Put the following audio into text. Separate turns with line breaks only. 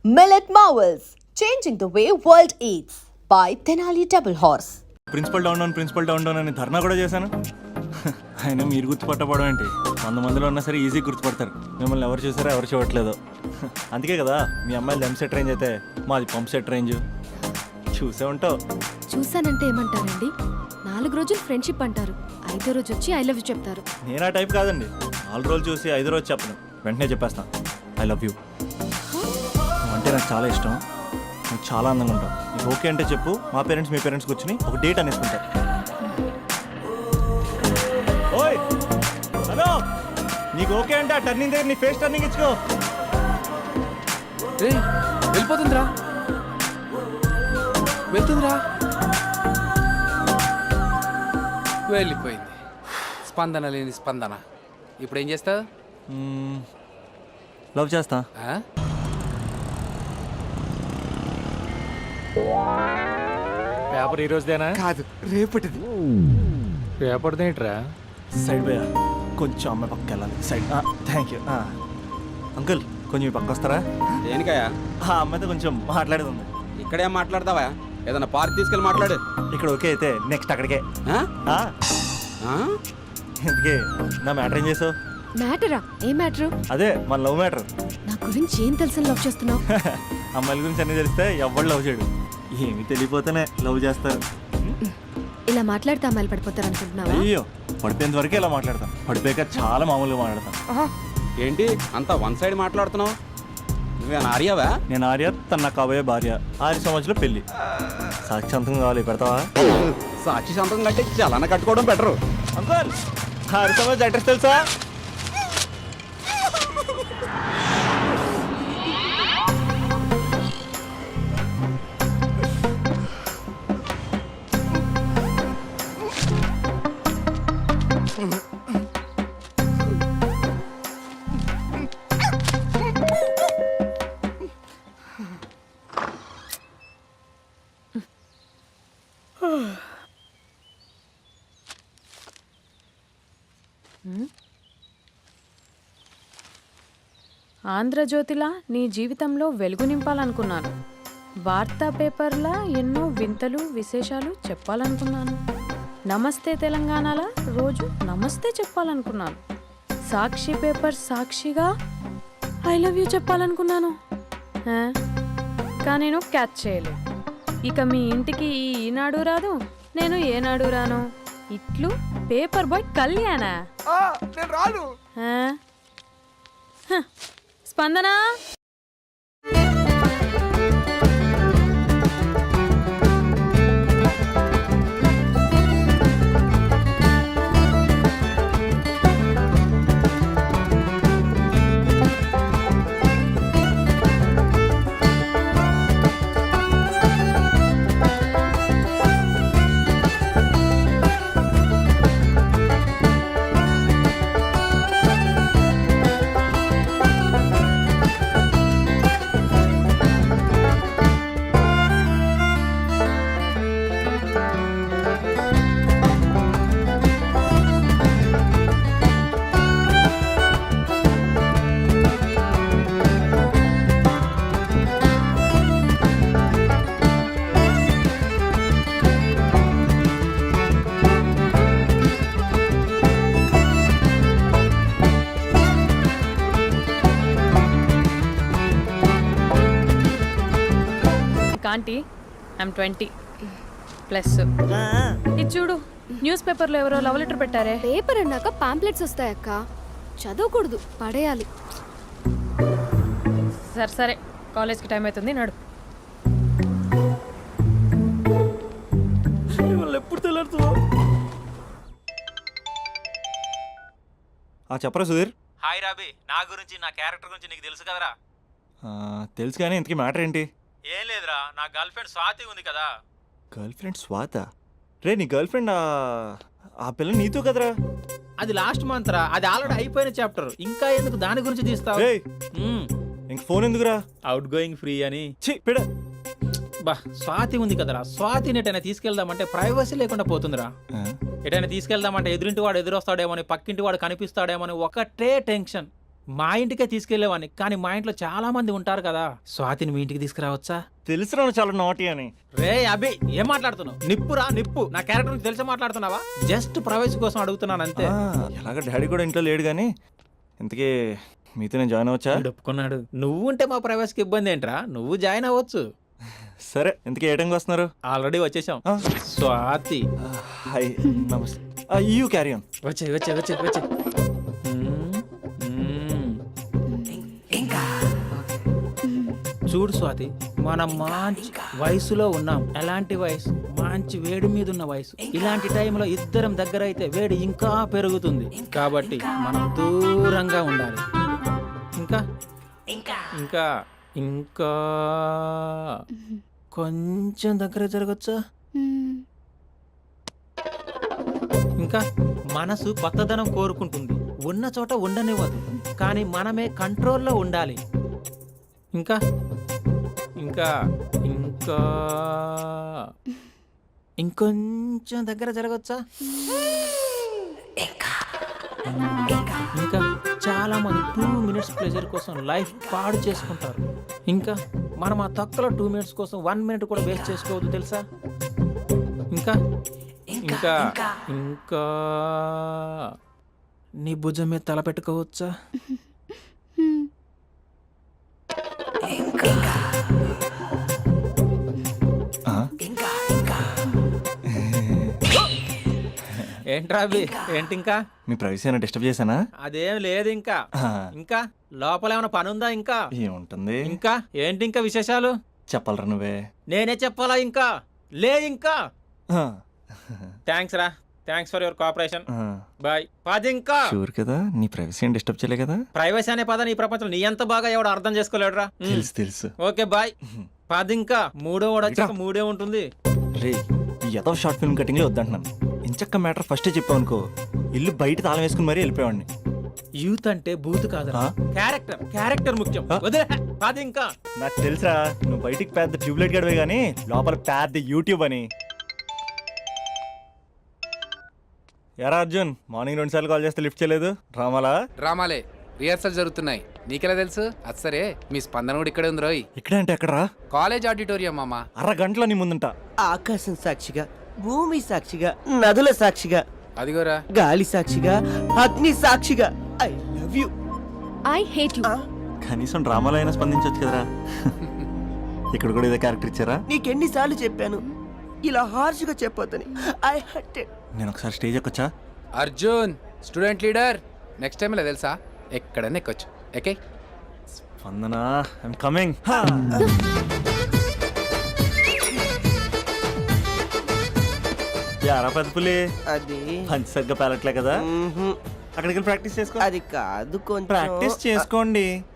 Millet Marvels, changing the way world eats by Tenali Double Horse.
Principal down అని ధర్నా కూడా చేశాను. అయినా మీరు గుర్తుపట్టపడం ఏంటి? 100 మందిలో ఉన్నా సరే ఈజీ గుర్తుపడతారు. మిమ్మల్ని ఎవరు చూసారో ఎవరు చూడట్లేదు. అందుకే కదా మీ అమ్మాయిలు ఎం సెట్ రేంజ్ అయితే మాది పంప్ సెట్ రేంజ్. చూసే ఉంటావు.
చూసానంటే ఏమంటారండి? 4 రోజులు ఫ్రెండ్షిప్ అంటారు, 5వ రోజు వచ్చి ఐ లవ్ యూ చెప్తారు.
నేను ఆ టైప్ కాదండి. 4 రోజులు చూసి 5వ రోజు చెప్పను, వెంటనే చెప్పేస్తాను ఐ లవ్ యూ. అంటే నాకు చాలా ఇష్టం, నువ్వు చాలా అందంగా ఉంటావు. నీకు ఓకే అంటే చెప్పు, మా పేరెంట్స్ మీ పేరెంట్స్ కూర్చొని ఒక డేట్ అనేసుకుంటారు. ఓయ్ హలో, నీకు ఓకే అంటే ఆ టర్నింగ్ దగ్గర నీ ఫేస్ టర్నింగ్ ఇచ్చుకో.
వెళ్ళిపోతుందిరా, వెళ్తుందిరా, వెళ్ళిపోయింది. స్పందన లేని స్పందన. ఇప్పుడు ఏం చేస్తావు?
లవ్ చేస్తా.
పేపర్ ఈ రోజుదేనా?
కాదు, రేపటిది.
పేపర్దేంట్రా?
సైడ్ పోయా, కొంచెం అమ్మాయి పక్కకి వెళ్ళాలి. సైడ్. Thank you. అంకుల్ కొంచెం మీ పక్క వస్తారా?
దేనికయ్యా?
ఆ అమ్మాయితో కొంచెం మాట్లాడేది ఉంది.
ఇక్కడేం మాట్లాడతావా? ఏదైనా పార్క్ తీసుకెళ్ళి మాట్లాడు.
ఇక్కడ ఓకే అయితే నెక్స్ట్ అక్కడికే.
ఆ? ఆ?
ఎందుకే నా మ్యాటర్ ఏం చేసావు?
మ్యాటరా? ఏ మ్యాటరు?
అదే మన లవ్ మ్యాటర్.
నా గురించి ఏం తెలుసు లవ్ చేస్తున్నావు?
అమ్మాయిల గురించి అన్నీ తెలిస్తే ఎవడు లవ్ చేయడు. ఏమి తెలియపోతేనే లవ్ చేస్తారు.
ఇలా మాట్లాడితే అమ్మాయిలు పడిపోతారు అనుకుంటున్నావా?
అయ్యో, పడిపోయేంత వరకే ఇలా మాట్లాడతాం, పడిపోయాక చాలా మామూలుగా మాట్లాడతాం.
ఏంటి అంతా వన్ సైడ్ మాట్లాడుతున్నావు? నువ్వేనా ఆర్యావా?
నేను ఆర్య, తన నా కాబోయే భార్య. 6 సంవత్సరాలు పెళ్లి. సాక్షాంతం కావాలి, పెడతావా?
సాక్షి సంతకం కంటే చలన కట్టుకోవడం బెటరు.
అంకుల్ 6 సంవత్సరాలు అడ్రస్ తెలుసా?
ఆంధ్రజ్యోతిలా నీ జీవితంలో వెలుగు నింపాలనుకున్నాను. వార్తా పేపర్లా ఎన్నో వింతలు విశేషాలు చెప్పాలనుకున్నాను. నమస్తే తెలంగాణలా రోజు నమస్తే చెప్పాలనుకున్నాను. సాక్షి పేపర్ సాక్షిగా ఐ లవ్ యూ చెప్పాలనుకున్నాను. కానీ నేను క్యాచ్ చేయలేదు. ఇక మీ ఇంటికి ఈనాడు రాదు, నేను ఏనాడు రాను. ఇట్లు పేపర్ బాయ్ కళ్యాణా?
నేను రాను.
స్పందన, ఆంటీ ఐమ్ 20+. ఇది చూడు, న్యూస్ పేపర్లో ఎవరో లవ్ లెటర్ పెట్టారే.
పేపర్ అన్నాక పాంప్లెట్స్ వస్తాయక్క, చదవకూడదు, పడేయాలి.
సరే సరే, కాలేజ్కి టైం అవుతుంది, నడు.
ఎప్పుడు తెలుసు? చెప్పరా సుధీర్.
హాయ్ రాబీ, నా గురించి నా క్యారెక్టర్ గురించి నీకు తెలుసు కదరా?
తెలుసు, కానీ ఇంతకీ మ్యాటర్ ఏంటి?
ఏం లేదురా, నా గర్ల్ ఫ్రెండ్ స్వాతి ఉంది కదా.
Girl friend స్వాత? రే, నీ గర్ల్ ఫ్రెండ్ ఆ పిల్ల నీతో కదరా?
అది లాస్ట్ మంత్ రా, అది ఆల్రెడీ అయిపోయిన చాప్టర్. ఇంకా ఎందుకు దాని గురించి తీస్తావు?
ఇంక ఫోన్ ఎందుకురా?
అవుట్ గోయింగ్ ఫ్రీ అని.
పిడ
బా, స్వాతి ఉంది కదరా, స్వాతిని ఎటైనా తీసుకెళ్దామంటే ప్రైవసీ లేకుండా పోతుందిరా. ఎటైనా తీసుకెళ్దామంటే ఎదురింటి వాడు ఎదురొస్తాడేమో, పక్కింటి వాడు కనిపిస్తాడేమో ఒకటే టెన్షన్. మా ఇంటికే తీసుకెళ్లేవాడిని, కానీ మా ఇంట్లో చాలా మంది ఉంటారు కదా. స్వాతిని మీ ఇంటికి తీసుకురావచ్చా?
తెలుసు చాలా నాటి అని.
రే అభి, ఏం మాట్లాడుతున్నావు? నిప్పురా నిప్పు. నా క్యారెక్టర్ గురించి తెలిసి మాట్లాడుతున్నావా? జస్ట్ ప్రైవసీ కోసం అడుగుతున్నాను అంతే.
ఎలాగ డాడీ కూడా ఇంట్లో లేడు కానీ ఇంతకీ మీతో నేను జాయిన్ అవ్వచ్చా?
వీడు ఒప్పుకున్నాడు. నువ్వు ఉంటే మా ప్రైవసీకి ఇబ్బంది ఏంట్రా? నువ్వు జాయిన్ అవ్వచ్చు.
సరే, ఇంతకీ ఏ టైంకి వస్తున్నారు?
ఆల్రెడీ వచ్చేసాం.
ఆ.
స్వాతి
హాయ్, నమస్తే. You carry on.
వచ్చే వచ్చే వచ్చే వచ్చే. చూడు స్వాతి, మనం మంచి వయసులో ఉన్నాం. ఎలాంటి వయసు? మంచి వేడి మీద ఉన్న వయసు. ఇలాంటి టైంలో ఇద్దరం దగ్గర అయితే వేడి ఇంకా పెరుగుతుంది. కాబట్టి మనం దూరంగా ఉండాలి. ఇంకా ఇంకా ఇంకా కొంచెం దగ్గర జరగచ్చా? ఇంకా మనసు కొత్తదనం కోరుకుంటుంది. ఉన్న చోట ఉండనివ్వదు, కానీ మనమే కంట్రోల్లో ఉండాలి. ఇంకా ఇంకా ఇంకా ఇంకొంచెం దగ్గర జరగచ్చా? ఇంకా చాలా మంది 2 minutes ప్లెజర్ కోసం లైఫ్ పాడు చేసుకుంటారు. ఇంకా మనం ఆ తక్కువ 2 minutes కోసం 1 minute కూడా వేస్ట్ చేసుకోవద్దు, తెలుసా? ఇంకా ఇంకా ఇంకా నీ భుజం మీద తల పెట్టుకోవచ్చా? ఏంట్రా అభి, ఏంటి ఇంకా?
మీ ప్రైవసీ అయినా డిస్టర్బ్ చేశానా?
అదేం లేదు. ఇంకా ఇంకా లోపల ఏమైనా పని ఉందా? ఇంకా
ఏముంటుంది?
ఇంకా ఏంటి ఇంకా విశేషాలు?
చెప్పాలరా నువ్వే.
నేనే చెప్పాలా? ఇంకా లే. ఇంకా థ్యాంక్స్ రా, thanks for your cooperation. Bye. పది ఇంకా.
షూర్ కదా, నీ ప్రైవసీ ఏం డిస్టర్బ్ చేయలే కదా?
ప్రైవసీ అనే పద నీ ప్రపంచం నీ ఎంత బాగా ఎవడు అర్థం చేసుకోలేడురా.
తెలుసు తెలుసు.
Okay bye. పది ఇంకా. మూడో వాడు వచ్చాక మూడే ఉంటుంది.
రే, ఈ ఏదో షార్ట్ ఫిల్మ్ కటింగ్ లో వద్దంటున్నాను. ఇంచక్క మ్యాటర్ ఫస్టే చెప్పావు అనుకో, ఇల్లు బయట తాళం వేసుకుని మరీ వెళ్ళిపోయాడిని.
యూత్ అంటే బూత్ కాదురా, క్యారెక్టర్. క్యారెక్టర్ ముఖ్యం. వదిలే. పది ఇంకా.
నాకు తెలుసా, నువ్వు బయటికి పెద్ద ట్యూబ్లైట్ గడవే కానీ లోపల పెద్ద యూట్యూబ్ అని. ఎరా అర్జున్, మార్నింగ్ 2 సార్లు కాల్ చేస్తే లిఫ్ట్ చేయలేదు.
డ్రామాలే రిహార్సల్ జరుగుతున్నాయి. నీకెలా తెలుసు? అది సరే, మీ స్పందన కూడా ఇక్కడే ఉంది రోయ్.
ఇక్కడే అంటే ఎక్కడరా?
కాలేజ్ ఆడిటోరియం మామా.
అరగంటలో నీ ముందుంటా.
ఆకాశం సాక్షిగా, భూమి సాక్షిగా, నదుల సాక్షిగా,
అదిగోరా
గాలి సాక్షిగా, అగ్ని సాక్షిగా, I love you.
I hate you.
కనీసం డ్రామాలో అయినా స్పందించవచ్చు కదరా. ఇక్కడ కూడా ఇదే క్యారెక్టర్ ఇచ్చారా?
నీకెన్నిసార్లు చెప్పాను ఇలా హార్ష్గా చెప్పొద్దని. I hurted.
నేను ఒకసారి స్టేజ్ ఎక్కొచ్చా?
Arjun student leader. Next time ఇలా తెలుసా, ఎక్కడన్నా ఎక్కొచ్చు. Okay
Spandana, I'm coming. యారా పెద్ద పులి,
అది
పంచి సగ్గా పేలట్లే కదా?
మ్మ్హ్.
అక్కడికి వెళ్ళి ప్రాక్టీస్ చేసుకో.
అది కాదు, కొంచెం
ప్రాక్టీస్ చేసుకోండి.